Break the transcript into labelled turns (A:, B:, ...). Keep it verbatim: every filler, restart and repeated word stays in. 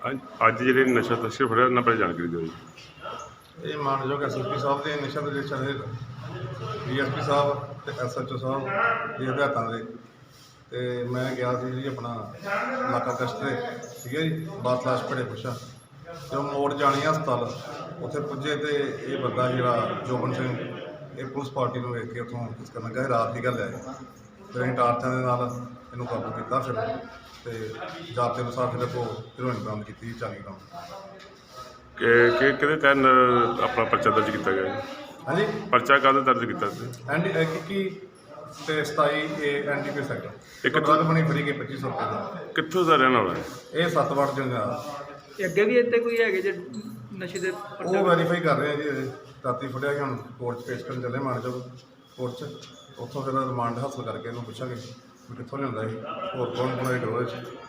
A: ਅੱਜ ਜਿਹੜੇ ਨਸ਼ਾ ਤਸਕਰ ਫੜਿਆ ਉਹਨਾਂ ਬਾਰੇ ਜਾਣਕਾਰੀ ਦਿਓ ਜੀ।
B: ਇਹ ਮਾਨਯੋਗ ਐਸ ਐਸ ਪੀ ਸਾਹਿਬ ਦੇ ਨਸ਼ਾ ਵਿਰੋਧੀ ਦੇ ਡੀ ਐਸ ਪੀ ਸਾਹਿਬ ਤੇ ਐਸ ਐਚ ਓ ਸਾਹਿਬ ਦੇ ਹਦਾਇਤਾਂ ਦੇ ਤੇ ਮੈਂ ਗਿਆ ਸੀ ਜੀ ਆਪਣਾ ਇਲਾਕਾ ਗਸ਼ਤ ਤੇ ਠੀਕ ਹੈ ਜੀ, ਬਾਤਲਾਸ਼ ਭੜੇ ਪੁੱਛਾ ਤੇ ਉਹ ਮੋੜ ਜਾਣੀ ਹਸਪਤਾਲ ਉੱਥੇ ਪੁੱਜੇ ਤੇ ਇਹ ਬੰਦਾ ਜਿਹੜਾ ਜੋਬਨ ਸਿੰਘ ਇਹ ਪੁਲਿਸ ਪਾਰਟੀ ਨੂੰ ਵੇਖ ਕੇ ਉੱਥੋਂ ਕਿਸ ਕਰਨ ਲੱਗਾ, ਰਾਤ ਦੀ ਗੱਲ ਹੈ। ਫਿਰ ਅਸੀਂ ਟਾਰਚਾਂ ਦੇ ਨਾਲ ਇਹਨੂੰ ਕਾਬੂ ਕੀਤਾ ਫਿਰ ਤੇ ਜਾਬਤੇ ਅਨੁਸਾਰ ਫਿਰ ਕੋ ਹੀਰੋਇਨ ਬਰਾਮਦ ਕੀਤੀ ਚਾਲੀ ਗ੍ਰਾਮ।
A: ਕਿ ਕਿ ਕਿਹਦੇ ਤਹਿਤ ਆਪਣਾ ਪਰਚਾ ਦਰਜ ਕੀਤਾ ਗਿਆ ਜੀ?
B: ਹਾਂਜੀ,
A: ਪਰਚਾ ਕਾਹਦਾ ਦਰਜ ਕੀਤਾ ਸੀ?
B: ਐਨ ਡੀ ਇੱਕੀ ਤੇ ਸਤਾਈ ਇਹ ਐਨ ਡੀ ਪੀ ਸੈਕਟਰ
A: ਇੱਕ
B: ਇੱਕ ਡਰਗ ਬਣੀ ਫੜੀ ਗਈ ਪੱਚੀ ਸੌ ਰੁਪਏ ਦਾ।
A: ਕਿੱਥੋਂ ਦਾ ਰਹਿਣ ਵਾਲਾ ਹੈ?
B: ਇਹ ਸੱਤ ਵਾਰ ਜੰਗਾ
C: ਤੇ ਅੱਗੇ ਵੀ ਇੱਥੇ ਕੋਈ ਹੈਗੇ ਜੇ ਨਸ਼ੇ ਦੇ
B: ਉਹ ਵੈਰੀਫਾਈ ਕਰ ਰਹੇ ਆ ਜੀ। ਇਹ ਰਾਤੀ ਫੜਿਆ ਗਿਆ, ਹੁਣ ਕੋਰਟ 'ਚ ਪੇਸ਼ ਕਰਨ ਚੱਲੇ ਮਾਨਯੋਗ ਕੋਰਟ 'ਚ। ਉੱਥੋਂ ਫਿਰ ਰਿਮਾਂਡ ਹਾਸਲ ਕਰਕੇ ਇਹਨੂੰ ਪੁੱਛਾਂਗੇ ਵੀ ਕਿੱਥੋਂ ਲਿਆਉਂਦਾ ਸੀ, ਹੋਰ ਕੌਣ ਕੌਣ ਇਹ ਗਰੋਹ 'ਚ।